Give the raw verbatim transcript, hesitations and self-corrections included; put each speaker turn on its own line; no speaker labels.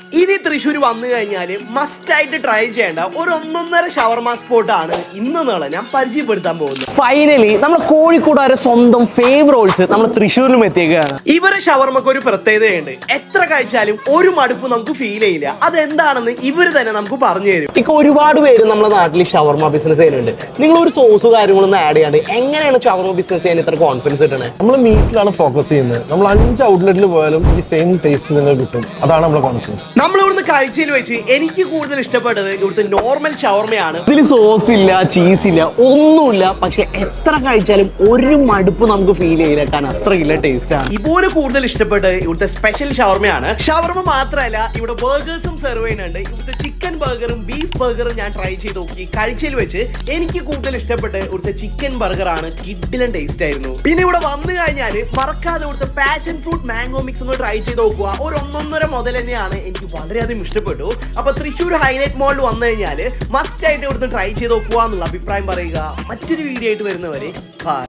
ഇനി തൃശ്ശൂർ വന്നു കഴിഞ്ഞാൽ മസ്റ്റ് ആയിട്ട് ട്രൈ ചെയ്യേണ്ട ഒരു ഒന്നൊന്നര ഷവർമ സ്പോട്ടാണ് ഇന്ന് നാളെ ഞാൻ പരിചയപ്പെടുത്താൻ പോകുന്നത്.
ഫൈനലി നമ്മുടെ കോഴിക്കോടുകാരെ സ്വന്തം ഫേവ് റോൾസ് നമ്മൾ തൃശ്ശൂരിലും എത്തിക്കുകയാണ്.
ഇവരെ ഷവർമക്ക് ഒരു പ്രത്യേകതയുണ്ട്. എത്ര കഴിച്ചാലും ഒരു മടുപ്പ് നമുക്ക് ഫീൽ ചെയ്യില്ല. അതെന്താണെന്ന് ഇവര് തന്നെ നമുക്ക് പറഞ്ഞു തരും.
ഇപ്പൊ ഒരുപാട് പേര് നമ്മുടെ നാട്ടിൽ ഷവർമ ബിസിനസ് ചെയ്യുന്നുണ്ട്. നിങ്ങൾ ഒരു സോസ് കാര്യങ്ങളൊന്നും ആഡ് ചെയ്യാണ്ട് എങ്ങനെയാണ് ഷവർമ ബിസിനസ് ചെയ്യാൻ ഇത്ര കോൺഫിഡൻസ് കിട്ടണേ?
നമ്മൾ മീറ്റിലാണ് ഫോക്കസ് ചെയ്യുന്നത്. നമ്മൾ അഞ്ച് ഔട്ട്ലെറ്റിൽ പോയാലും ഈ സെയിം ടേസ്റ്റ് തന്നെ കിട്ടും. അതാണ് നമ്മുടെ കോൺഫിഡൻസ്.
നമ്മൾ ഇവിടുന്ന് കാഴ്ചയിൽ വെച്ച് എനിക്ക് കൂടുതൽ ഇഷ്ടപ്പെട്ടത് ഇവിടുത്തെ നോർമൽ ഷവർമയാണ്.
ഇതിൽ സോസ് ഇല്ല, ചീസ് ഇല്ല, ഒന്നുമില്ല. പക്ഷെ എത്ര കഴിച്ചാലും ഒരു മടുപ്പ് നമുക്ക് ഫീൽ ചെയ്യില്ല. കാരണം അത്രയില്ല ടേസ്റ്റ് ആണ്.
ഇതുപോലെ കൂടുതൽ ഇഷ്ടപ്പെട്ടത് ഇവിടുത്തെ സ്പെഷ്യൽ ഷവർമയാണ്. ഷവർമ മാത്രമല്ല, ഇവിടെ ബർഗേഴ്സും സെർവ് ചെയ്യുന്നുണ്ട്. ഇവിടുത്തെ ചിക്കൻ ബർഗറും ബീഫ് ബർഗറും ഞാൻ ട്രൈ ചെയ്ത് നോക്കി. കഴിച്ചതിൽ വെച്ച് എനിക്ക് കൂടുതൽ ഇഷ്ടപ്പെട്ട ഇവിടുത്തെ ചിക്കൻ ബർഗർ ആണ്. കിഡിലൻ ടേസ്റ്റ് ആയിരുന്നു. പിന്നെ ഇവിടെ വന്നു കഴിഞ്ഞാൽ മറക്കാതെ ഇവിടുത്തെ പാഷൻ ഫ്രൂട്ട് മാംഗോ മിക്സ് ഒന്ന് ട്രൈ ചെയ്ത് നോക്കുക. ഒരു ഒന്നൊന്നര മുതൽ തന്നെയാണ്. എനിക്ക് വളരെയധികം ഇഷ്ടപ്പെട്ടു. അപ്പൊ തൃശ്ശൂർ ഹൈലൈറ്റ് മോളിൽ വന്നു കഴിഞ്ഞാൽ മസ്റ്റ് ആയിട്ട് ഇവിടുന്ന് ട്രൈ ചെയ്ത് നോക്കുക എന്നുള്ള അഭിപ്രായം പറയുക. മറ്റൊരു വീഡിയോ ആയിട്ട് വരുന്നവരെ ബൈ.